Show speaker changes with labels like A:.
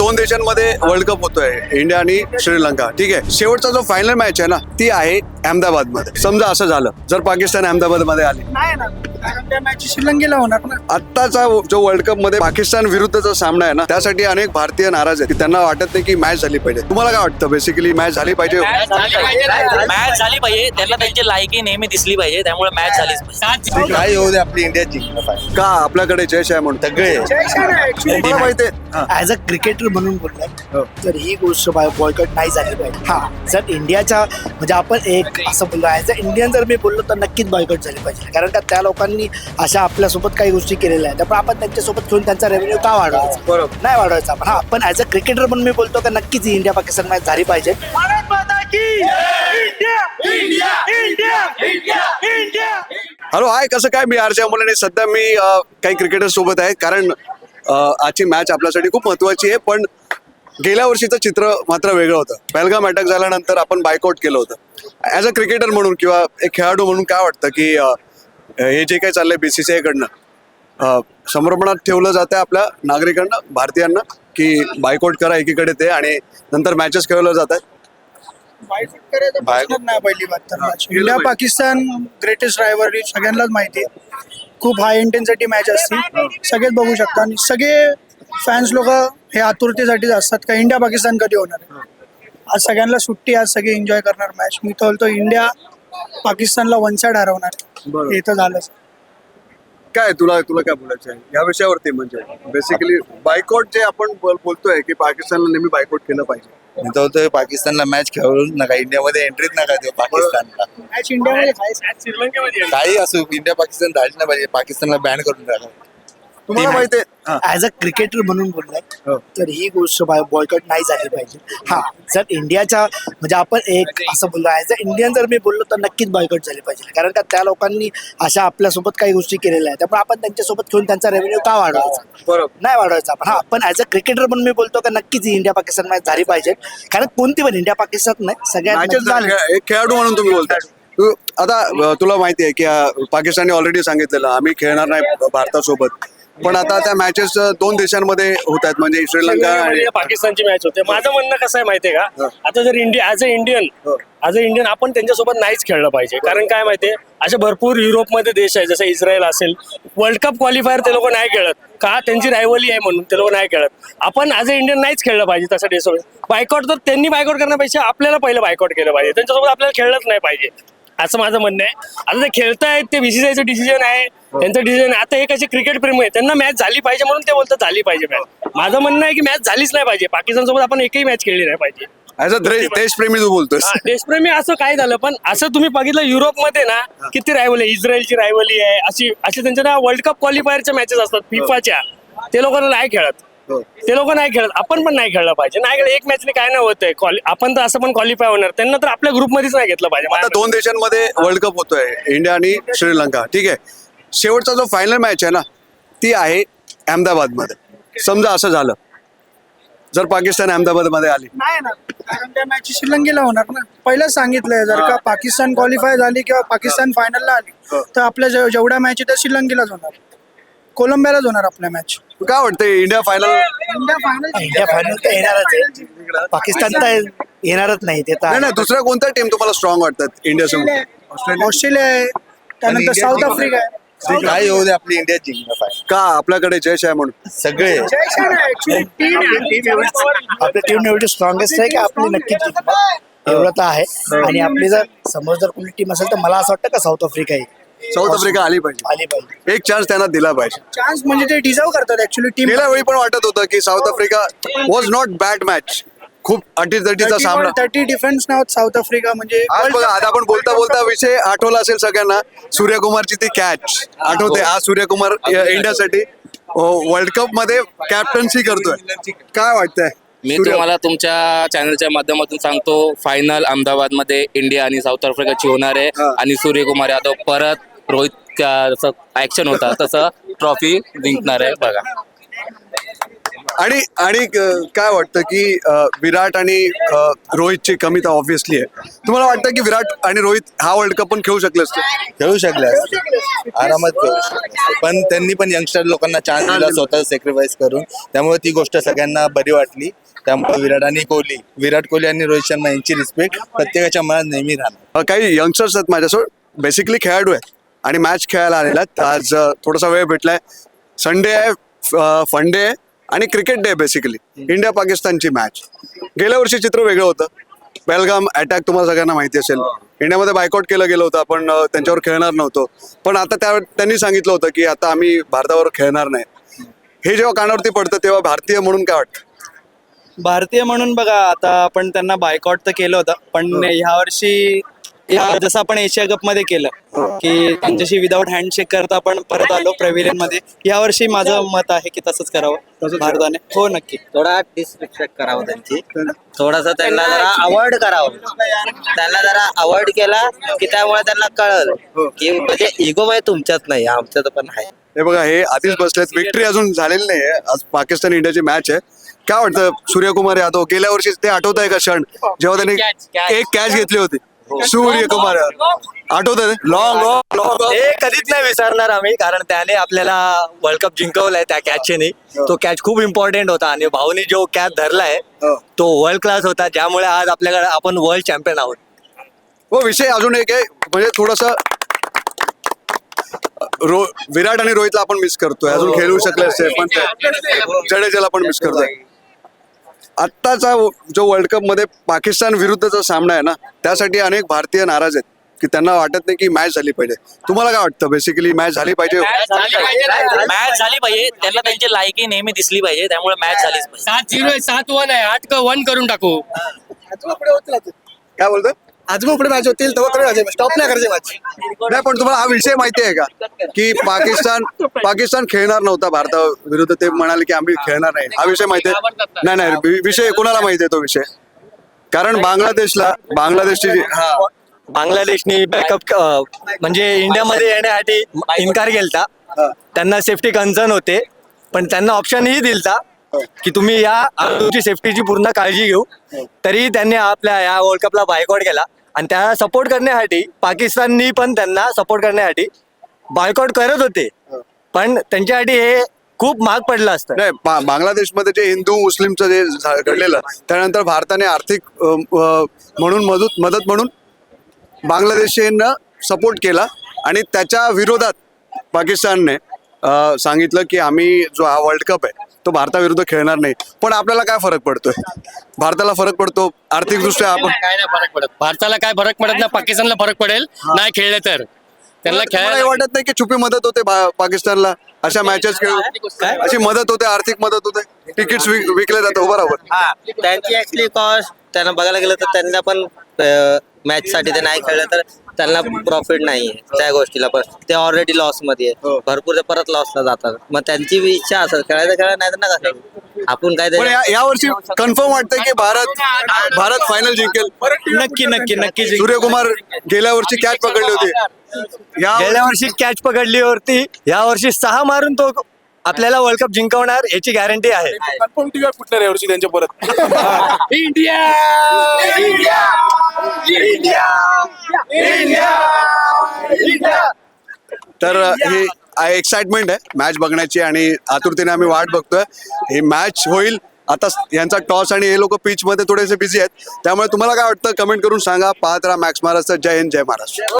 A: दोन देशांमध्ये world cup होतोय, इंडिया आणि श्रीलंका. ठीक आहे, शेवटचा जो फायनल मॅच आहे ना ती आहे अहमदाबाद मध्ये. समजा असं झालं जर पाकिस्तान अहमदाबाद मध्ये आली,
B: नाही ना, कारण त्या मॅच श्रीलंकेला होणार ना.
A: आत्ताचा जो वर्ल्ड कप मध्ये पाकिस्तान विरुद्धचा सामना आहे ना, त्यासाठी अनेक भारतीय नाराज आहेत की त्यांना वाटत नाही की मॅच झाली पाहिजे. तुम्हाला काय वाटतं? बेसिकली मॅच झाली पाहिजे.
C: मॅच झाली पाहिजे, त्यांना त्यांची लायकी नेहमी दिसली पाहिजे, त्यामुळे मॅच झालीच पाहिजे.
D: काय होऊ दे, आपली इंडिया जिंकलं पाहिजे.
A: का आपल्याकडे जयश आहे म्हणून
D: सगळे
A: तुम्हाला माहिती आहे.
B: ऍज अ क्रिकेटर म्हणून बोललाय तर ही गोष्ट बॉयकॉट नाही झाली पाहिजे. हा, जर इंडियाच्या म्हणजे आपण एक असं बोललो ऍज अ इंडियन जर मी बोललो तर नक्कीच बॉयकॉट झाली पाहिजे. कारण का त्या लोकांनी अशा आपल्यासोबत काही गोष्टी केलेल्या आहेत, त्यामुळे आपण त्यांच्यासोबत घेऊन त्यांचा रेव्हेन्यू का वाढवायचा?
A: बरोबर.
B: नाही वाढवायचा. पण हा, पण ऍज अ क्रिकेटर म्हणून मी बोलतो का नक्कीच इंडिया पाकिस्तान मॅच झाली पाहिजे.
A: हॅलो, हाय, कसं काय? मी आरच्या मुलाने सध्या मी काही क्रिकेटर सोबत आहे, कारण आजची मॅच आपल्यासाठी खूप महत्वाची आहे. पण गेल्या वर्षीचं चित्र मात्र वेगळं होतं. पहलगाम अटॅक झाल्यानंतर आपण बायकआउट केलं होतं. ॲज अ क्रिकेटर म्हणून किंवा एक खेळाडू म्हणून काय वाटतं की हे जे काही चाललंय BCCI कडनं समर्पणात ठेवलं जातं आपल्या नागरिकांना, भारतीयांना, की बायकआउट करा एकीकडे ते, आणि नंतर मॅचेस खेळवल्या जातात.
B: बायकॉट करायचं प्रश्नच नाही. पहिली बात तर match India Pakistan greatest rivalry सगळ्यांनाच माहिती आहे. खूप हाय इंटेन्सिटी मॅच असते, सगळेच बघू शकता. आणि सगळे फॅन्स लोक हे आतुरतेसाठीच असतात का इंडिया पाकिस्तान कधी होणार आहे. आज सगळ्यांना सुट्टी, आज सगळे एन्जॉय करणार मॅच. मी तर बोलतो इंडिया पाकिस्तानला वन साइड हरवणार. हे तर झालंच.
A: काय तुला काय बोलायचं आहे या विषयावरती? म्हणजे बेसिकली बायकॉट जे आपण बोलतोय की पाकिस्तानला नेहमी बायकॉट केलं पाहिजे.
D: मी तर बोलतोय पाकिस्तानला मॅच खेळूच नका, इंडियामध्ये एंट्रीच नका देऊ पाकिस्तानला.
B: मॅच इंडियामध्ये
D: काही असो, इंडिया पाकिस्तान झाली नाही पाहिजे, पाकिस्तानला बॅन करून टाका.
A: तुम्हाला माहिती आहे.
B: ऍज अ क्रिकेटर म्हणून बोललाय तर ही गोष्ट बॉयकॉट नाही झाली पाहिजे. हा, जर इंडियाच्या म्हणजे आपण एक असं बोललो ऍज अ इंडियन जर मी बोललो तर नक्कीच बॉयकॉट झाली पाहिजे. कारण का त्या लोकांनी अशा आपल्यासोबत काही गोष्टी केलेल्या आहेत, त्यामुळे आपण त्यांच्यासोबत घेऊन त्यांचा रेव्हेन्यू का वाढवायचा?
A: बरोबर.
B: नाही वाढवायचा. पण हा, पण ऍज अ क्रिकेटर म्हणून मी बोलतो का नक्कीच इंडिया पाकिस्तान मॅच झाली पाहिजे. कारण कोणती पण इंडिया पाकिस्तान नाही, सगळ्यात
A: मॅचेस झाल्या. एक खेळाडू म्हणून तुम्ही बोलताय. आता तुला माहिती आहे की पाकिस्तानने ऑलरेडी सांगितलेलं आम्ही खेळणार नाही भारतासोबत. पण आता त्या मॅचेस दोन देशांमध्ये होत आहेत, म्हणजे श्रीलंका आणि
E: पाकिस्तानची मॅच होते. माझं म्हणणं कसं आहे माहितीये का, आता जर इंडिया ॲज अ इंडियन आपण त्यांच्यासोबत नाहीच खेळलं पाहिजे. कारण काय माहितीये, असे भरपूर युरोपमध्ये देश आहे, जसं इस्रायल असेल, वर्ल्ड कप क्वालिफायर ते लोक नाही खेळत का, त्यांची रायव्हली आहे म्हणून ते लोक नाही खेळत. आपण ॲज अ इंडियन नाहीच खेळलं पाहिजे तसं देशासोबत. बायकॉट तर त्यांनी बायकॉट करण्यापेक्षा आपल्याला पहिलं बायकॉट केलं पाहिजे, त्यांच्यासोबत आपल्याला खेळलंच नाही पाहिजे, असं माझं म्हणणं आहे. आता ते खेळतायत, ते BCCIचं डिसिजन आहे, त्यांचं डिसिजन. आता एक असे क्रिकेट प्रेमी आहे, त्यांना मॅच झाली पाहिजे म्हणून ते बोलतात झाली पाहिजे मॅच. माझं म्हणणं आहे की मॅच झालीच नाही पाहिजे, पाकिस्तान सोबत आपण एकही मॅच खेळली नाही पाहिजे.
A: ऍज अ देशप्रेमी तू बोलतोय.
E: देशप्रेमी असं काय झालं, पण असं तुम्ही बघितलं युरोपमध्ये ना किती रायव्हली आहे, इस्रायलची रायव्हली आहे, अशी त्यांच्या ना वर्ल्ड कप क्वालिफायरच्या मॅचेस असतात फिफाच्या, ते लोकांना नाही खेळत. ते लोक नाही खेळत, आपण पण नाही खेळलं पाहिजे. नाही खेळत एक मॅचने काय नाही होतंय, आपण तर असं पण क्वालिफाय होणार, त्यांना तर आपल्या ग्रुपमध्येच नाही घेतलं पाहिजे.
A: आता दोन देशांमध्ये वर्ल्ड कप होतोय, इंडिया आणि श्रीलंका. ठीक आहे, शेवटचा जो फायनल मॅच आहे ना ती आहे अहमदाबाद मध्ये. समजा असं झालं जर पाकिस्तान अहमदाबाद मध्ये आली,
B: नाही ना, कारण त्या मॅच श्रीलंकेला होणार ना. पहिलंच सांगितलंय, जर का पाकिस्तान क्वालिफाय झाली किंवा पाकिस्तान फायनलला आली तर आपल्या जेवढ्या मॅच आहेत त्या श्रीलंकेलाच होणार, कोलंबियालाच होणार आपल्या मॅच.
A: काय वाटतंय इंडिया फायनल?
B: इंडिया फायनल तर येणारच आहे, पाकिस्तान तर येणारच नाही. ते तर
A: नाही, दुसऱ्या कोणत्या टीम तुम्हाला स्ट्रॉंग वाटतात इंडियासोबत?
B: ऑस्ट्रेलिया आहे, त्यानंतर साऊथ आफ्रिका आहे.
D: काय होऊ दे, आपली इंडिया जिंकलं पाहिजे.
A: का आपल्याकडे जयश आहे म्हणून
D: सगळे
B: आपली टीम एवढी स्ट्रॉंगेस्ट आहे की आपली नक्कीच जिंकणार, एवढं तर आहे. आणि आपली जर समज जर कोणी टीम असेल तर मला असं वाटतं का साऊथ आफ्रिका येईल.
A: साऊथ आफ्रिका आली पाहिजे,
B: आली पाहिजे.
A: एक चान्स त्यांना दिला पाहिजे.
B: चान्स म्हणजे ते डिझर्व करतात ऍक्च्युली टीम.
A: गेल्या वेळी पण वाटत होतं की South Africa was not bad match, खूप अटीतटीचा सामना.
B: 30 डिफेन्स नाव साऊथ आफ्रिका म्हणजे
A: आज बघा, आता आपण बोलता बोलता विषय आठवला असेल सगळ्यांना, सूर्यकुमारची ती कॅच आठवते. आज सूर्यकुमार इंडियासाठी वर्ल्ड कप मध्ये कॅप्टन्सी करतोय. काय वाटतंय?
F: मी तुम्हाला तुमच्या चॅनलच्या माध्यमातून सांगतो, फायनल अहमदाबाद मध्ये इंडिया आणि साऊथ आफ्रिकाची होणार आहे. आणि सूर्यकुमार यादव परत रोहित जसं ऍक्शन होता तसं ट्रॉफी जिंकणार आहे. बघा.
A: आणि आणि काय वाटतं की विराट आणि रोहितची कमी तर ऑब्व्हियसली आहे. तुम्हाला वाटतं की विराट आणि रोहित हा वर्ल्ड कप पण खेळू शकले असते?
D: खेळू शकले असते. आरामात खेळू शकले असते. पण त्यांनी पण यंगस्टर लोकांना चान्स दिला स्वतः सॅक्रिफाईस करून, त्यामुळे ती गोष्ट सगळ्यांना बरी वाटली. त्यामुळे विराट कोहली आणि रोहित शर्मा यांची रिस्पेक्ट प्रत्येकाच्या मनात नेहमी राहणार.
A: काही यंगस्टर्स आहेत माझ्यासोबत, बेसिकली खेळाडू आहेत आणि मॅच खेळायला आलेला आहेत. आज थोडासा वेळ भेटलाय. संडे आहे, फन डे आहे आणि क्रिकेट डे. बेसिकली इंडिया पाकिस्तानची मॅच. गेल्या वर्षी चित्र वेगळं होतं. पहलगाम अटॅक तुम्हाला सगळ्यांना माहिती असेल. इंडियामध्ये बायकॉट केलं गेलं होतं, आपण त्यांच्यावर खेळणार नव्हतो. पण आता त्यांनी सांगितलं होतं की आता आम्ही भारतावर खेळणार नाही. हे जेव्हा कानावरती पडतं तेव्हा भारतीय म्हणून काय वाटतं?
G: भारतीय म्हणून बघा, आता आपण त्यांना बायकॉट तर केलं होतं, पण ह्या वर्षी जसं आपण एशिया कप मध्ये केलं की त्यांच्याशी विदाऊट हँडशेक करता आपण परत आलो प्रेव्हिलियन मध्ये. या वर्षी माझं मत आहे की तसंच करावं भारताने. हो नक्की.
H: थोडा डिसरिस्पेक्ट करावं त्यांची, थोडासा त्यांना जरा अवॉइड करावं. त्यांना जरा अवॉइड केला की त्यामुळे त्यांना कळल की म्हणजे इगो मध्ये तुमच्यात नाही, आमच्यात पण आहे.
A: हे बघा, हे आधीच बसलेत. विक्ट्री अजून झालेली नाही आहे. आज पाकिस्तान इंडियाची मॅच आहे. काय वाटतं सूर्यकुमार यादव? गेल्या वर्षी ते आठवत आहे का क्षण जेव्हा त्यांनी एक कॅच घेतली होती? सूर्यकुमार आठवत आहे? लॉंग
G: हे कधीच नाही विसरणार आम्ही, कारण त्याने आपल्याला वर्ल्ड कप जिंकवलाय त्या कॅचने. तो कॅच खूप इम्पॉर्टंट होता आणि भाऊनी जो कॅच धरलाय तो वर्ल्ड क्लास होता, ज्यामुळे आज आपल्याकडे आपण वर्ल्ड चॅम्पियन आहोत.
A: हो, विषय अजून एक आहे. म्हणजे थोडस विराट आणि रोहितला आपण मिस करतोय. अजून खेळू शकले असते, पण जडेजाला पण मिस करतोय. आत्ताचा जो वर्ल्ड कप मध्ये पाकिस्तान विरुद्धचा सामना आहे ना, त्यासाठी अनेक भारतीय नाराज आहेत की त्यांना वाटत नाही की मॅच झाली पाहिजे. तुम्हाला काय वाटतं? बेसिकली मॅच झाली पाहिजे.
C: मॅच झाली पाहिजे. त्यांना त्यांची लायकी नेहमी दिसली पाहिजे, त्यामुळे मॅच झालीच पाहिजे.
E: 7-0 7-1 आहे, 8-1 करून टाकू.
A: काय बोलतोय?
B: आज मग पुढे मॅच होतील तेव्हा स्टॉप नाही करायचे मॅच.
A: नाही, पण तुम्हाला हा विषय माहिती आहे का की पाकिस्तान खेळणार नव्हता भारताविरुद्ध? ते म्हणाले की आम्ही खेळणार नाही. हा विषय माहिती आहे? नाही, विषय कोणाला माहिती आहे तो विषय? कारण बांगलादेशची
G: बांगलादेशनी बॅकअप म्हणजे इंडियामध्ये येण्यासाठी इन्कार केलता. त्यांना सेफ्टी कन्सर्न होते, पण त्यांना ऑप्शनही दिलता की तुम्ही या तुमची सेफ्टीची पूर्ण काळजी घेऊ. तरी त्यांनी आपल्या या वर्ल्ड कपला बायकॉट केला आणि त्याला सपोर्ट करण्यासाठी पाकिस्ताननी पण त्यांना सपोर्ट करण्यासाठी बायकॉट करत होते, पण त्यांच्यासाठी हे खूप महाग पडलं असतं.
A: नाही, बांगलादेशमध्ये जे हिंदू मुस्लिमचं जे घडलेलं, त्यानंतर भारताने आर्थिक मदत म्हणून बांगलादेशींना सपोर्ट केला आणि त्याच्या विरोधात पाकिस्तानने सांगितलं की आम्ही जो हा वर्ल्ड कप आहे तो भारताविरुद्ध खेळणार नाही. पण आपल्याला काय फरक पडतोय? भारताला फरक पडतो आर्थिकदृष्ट्या. आपण
E: काय नाही फरक पडत, भारताला काय फरक पडत नाही, पाकिस्तानला फरक पडेल नाही खेळले तर. त्यांना
A: तुम्हाला हे
E: खेळायला
A: वाटत नाही की छुपी मदत होते पाकिस्तानला अशा मॅचेस खेळून? अशी मदत होते, आर्थिक मदत होते, तिकीट विकले जातात. बरोबर.
H: हा, त्यांची ऍक्च्युली कॉस्ट त्यांना बघायला गेलं तर त्यांना पण मॅच साठी ते नाही खेळलं तर त्यांना प्रॉफिट नाहीये त्या गोष्टीला. पण ते ऑलरेडी लॉस मध्ये आहे, भरपूर ते परत लॉसला जातात. मग त्यांची इच्छा असेल खेळायला नाही तर नका खेळू. आपण काय
A: पण या वर्षी कन्फर्म वाटतंय की भारत फायनल जिंकेल?
G: नक्की
A: सूर्यकुमार गेल्या वर्षी कॅच पकडली होती.
G: गेल्या वर्षी कॅच पकडली होती, या वर्षी 6 मारून तो आपल्याला वर्ल्ड कप जिंकवणार याची गॅरंटी आहे.
I: कन्फर्म टीव्ही फुटणार यावर्षी त्यांच्या परत.
A: तर ही एक्साइटमेंट आहे मॅच बघण्याची आणि आतुरतेने आम्ही वाट बघतोय. ही मॅच होईल. आता यांचा टॉस आणि हे लोक पिच मध्ये थोडेसे बिझी आहेत, त्यामुळे तुम्हाला काय वाटतं कमेंट करून सांगा. पाहत राहा मॅक्स महाराष्ट्र. जय हिंद, जय महाराष्ट्र.